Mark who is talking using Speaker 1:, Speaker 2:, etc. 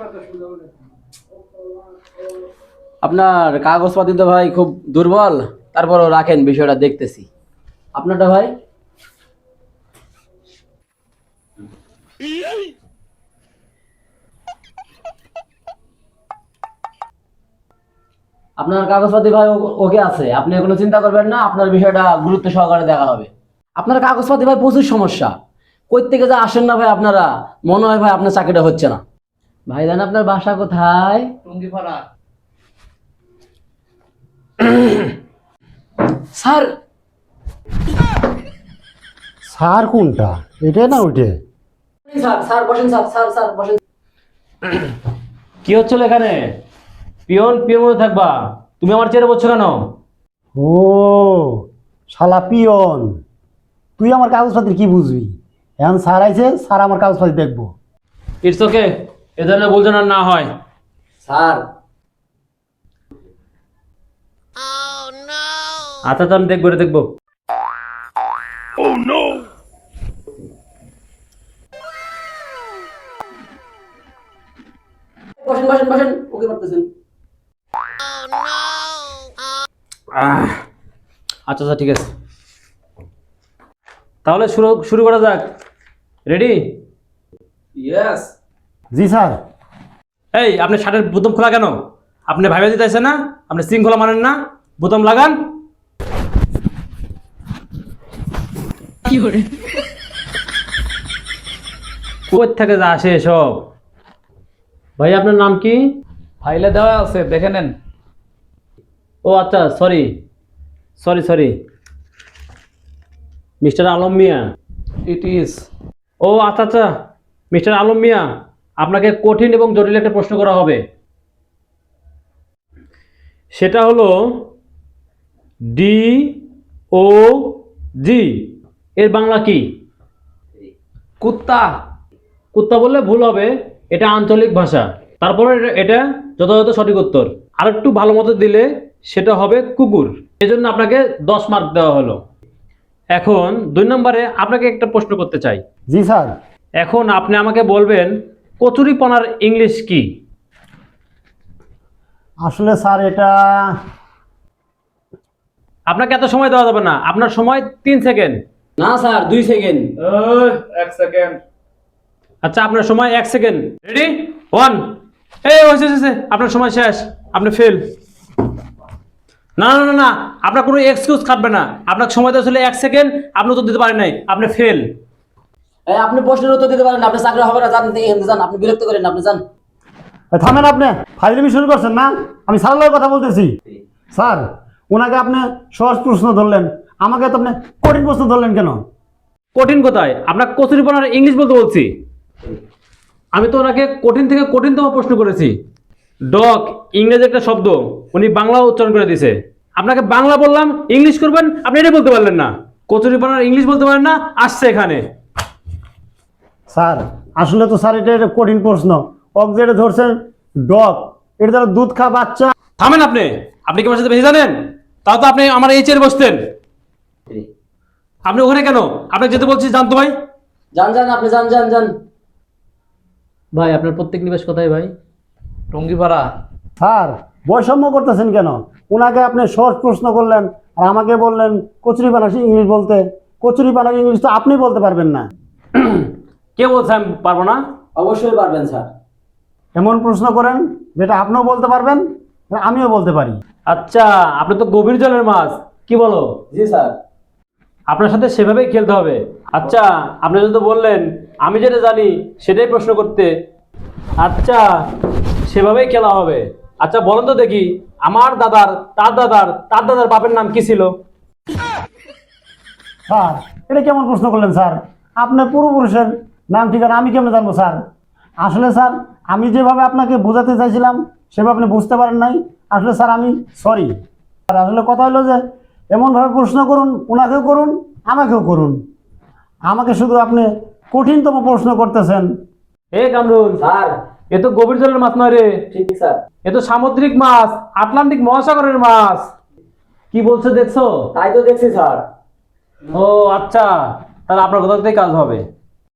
Speaker 1: আপনার কাগজপাতি তো ভাই খুব দুর্বল, তারপরও রাখেন, বিষয়টা দেখতেছি। আপনারটা ভাই? আপনার কাগজপাতি ভাই ওকে আছে, আপনি কোনো চিন্তা করবেন না, আপনার বিষয়টা গুরুত্ব সহকারে দেখা হবে। আপনার কাগজপাতি ভাই প্রচুর সমস্যা, কই থেকে যা আসেন না ভাই আপনারা, মনে হয় ভাই আপনার চাকরিটা হচ্ছে না। ভাই জান আপনার বাসা কোথায়?
Speaker 2: টঙ্গিপাড়া।
Speaker 1: স্যার।
Speaker 3: স্যার কোনটা, এটা না ওইটে?
Speaker 1: স্যার স্যার বসেন, স্যার স্যার স্যার বসেন।
Speaker 4: কি হচ্ছিল এখানে? পিয়ন পিয়ন মধ্যে থাকবা, তুমি আমার চেয়ারে বসছো কেন?
Speaker 3: ও শালা পিয়ন, তুই আমার কাগজপত্র কি বুঝবি? এখন স্যার আইছে, স্যার আমার কাগজপত্র দেখবো।
Speaker 4: ইটস ওকে, এ ধরনের ভুল যেন আর না হয়।
Speaker 1: স্যার
Speaker 4: আচ্ছা তো আমি দেখবো, এটা দেখবো।
Speaker 1: বসেন বসেন বসেন, ওকে করতেছেন।
Speaker 4: আচ্ছা আচ্ছা ঠিক আছে, তাহলে শুরু শুরু করা যাক। রেডি?
Speaker 1: ইয়েস।
Speaker 3: জি স্যার।
Speaker 4: এই আপনি শার্টের বোতাম খোলা কেন? আপনি ভাইবা দিতেছেন না, আপনি শৃঙ্খলা মানেন না, বোতাম লাগান। কোথা থেকে যা আসে এসব? ভাই আপনার নাম কি?
Speaker 2: ফাইলে দেওয়া আছে, দেখে নেন।
Speaker 4: ও আচ্ছা, sorry sorry sorry, mister Alam Mia.
Speaker 2: It is.
Speaker 4: ও আচ্ছা আচ্ছা, মিস্টার আলম মিয়া, আপনাকে কঠিন এবং জটিল একটা প্রশ্ন করা হবে। সেটা হলো ডি ও জি এর বাংলা কি?
Speaker 2: কুত্তা।
Speaker 4: কুত্তা বললে ভুল হবে, এটা আঞ্চলিক ভাষা। তারপরে এটা যথাযথ সঠিক উত্তর। আর একটু ভালো মতো দিলে সেটা হবে কুকুর। এজন্য আপনাকে 10 মার্ক দেওয়া হলো। এখন 2 নম্বরে আপনাকে একটা প্রশ্ন করতে চাই।
Speaker 3: জি স্যার।
Speaker 4: এখন আপনি আমাকে বলবেন কচুরিপানার ইংলিশ কি?
Speaker 3: আসলে স্যার এটা
Speaker 4: আপনাকে এত সময় দেওয়া যাবে না, আপনার সময় 3 সেকেন্ড।
Speaker 1: না স্যার 2 সেকেন্ড।
Speaker 2: 1 সেকেন্ড।
Speaker 4: আচ্ছা আপনার সময় 1 সেকেন্ড। রেডি? 1। এই হয়েছে, আপনার সময় শেষ, আপনি ফেল। না না না না, আপনার কোনো এক্সকিউজ কাটবে না, আপনার সময় দেওয়া ছিল 1 সেকেন্ড, আপনি উত্তর দিতে পারেন নাই, আপনি ফেল।
Speaker 1: আপনি প্রশ্নের উত্তর দিতে পারেন না, আপনার চাকরি হবে না, জান এখানে যান, আপনি বিরক্ত করেন না, আপনি যান।
Speaker 3: থামেন, আপনি ফাইজলামি শুরু করছেন না? আমি স্যারের কথা বলতেছি। স্যার, ওনাকে আপনি সহজ প্রশ্ন ধরলেন, আমাকে তো আপনি কঠিন প্রশ্ন ধরলেন কেন?
Speaker 4: কঠিন কোথায়? আপনার কচুরিপানার ইংলিশ বলতে বলছি। আমি তো ওনাকে কঠিন থেকে কঠিনতম প্রশ্ন করেছি। ডগ ইংরেজি একটা শব্দ, উনি বাংলা উচ্চারণ করে দিয়েছে। আপনাকে বাংলা বললাম, ইংলিশ করবেন, আপনি এটা বলতে পারলেন না। কচুরিপানার ইংলিশ বলতে পারেন না, আসছে এখানে।
Speaker 3: স্যার আসলে তো স্যার এটা কঠিন প্রশ্ন। অক যেটা ধরছেন ডগ, এটা দ্বারা দুধ খা বাচ্চা।
Speaker 4: থামেন আপনি, আপনি কি আমার সাথে বেশি জানেন? তাও তো আপনি আমার এই চেয়ারে বসতেন, আপনি ওখানে কেন? আপনাকে যেতে বলছি, জানতো ভাই।
Speaker 1: যান যান, আপনি যান যান যান। ভাই আপনার প্রত্যেক নিবাস কোথায় ভাই?
Speaker 2: টঙ্গিপাড়া।
Speaker 3: স্যার বৈষম্য করতেছেন কেন? ওনাকে আপনি সহজ প্রশ্ন করলেন আর আমাকে বললেন কচুরি পানা ইংলিশ বলতে। কচুরি পানার ইংলিশ তো আপনি বলতে পারবেন না।
Speaker 4: কে বলছে আমি পারবো না?
Speaker 1: অবশ্যই পারবেন স্যার।
Speaker 3: এমন প্রশ্ন করেন যেটা আপনিও বলতে পারবেন আর আমিও বলতে পারি।
Speaker 4: আচ্ছা, আপনি তো গভীর জলের মাছ, কি বলো?
Speaker 1: জি স্যার।
Speaker 4: আপনার সাথে সেভাবেই খেলতে হবে। আচ্ছা, আপনি যদি বললেন আমি যেটা জানি সেটাই প্রশ্ন করতে, আচ্ছা সেভাবেই খেলা হবে। আচ্ছা বলেন তো দেখি, আমার দাদার তার দাদার তার দাদার বাপের নাম কি ছিল?
Speaker 3: স্যার এটা কেমন প্রশ্ন করলেন স্যার? আপনার পূর্বপুরুষের নাম ঠিকানা আমি কেমন জানবো স্যার? আসলে স্যার আমি যেভাবে আপনাকে বোঝাতে চাইছিলাম সেভাবে আপনি বুঝতে পারেন নাই। আসলে স্যার আমি সরি। আর আসলে কথা হলো যে এমনভাবে প্রশ্ন করুন, ওনাকেও করুন আমাকেও করুন। আমাকে শুধু আপনি কঠিনতম প্রশ্ন করতেছেন।
Speaker 4: এ কামরুল
Speaker 1: স্যার।
Speaker 4: এ তো গভীর জলের মাছ নয় রে,
Speaker 1: ঠিক স্যার।
Speaker 4: এ তো সামুদ্রিক মাছ, আটলান্টিক মহাসাগরের মাছ। কি বলছে দেখছো?
Speaker 1: তাই তো দেখছি স্যার।
Speaker 4: ও আচ্ছা, তাহলে আপনার কোথা থেকে কাজ হবে।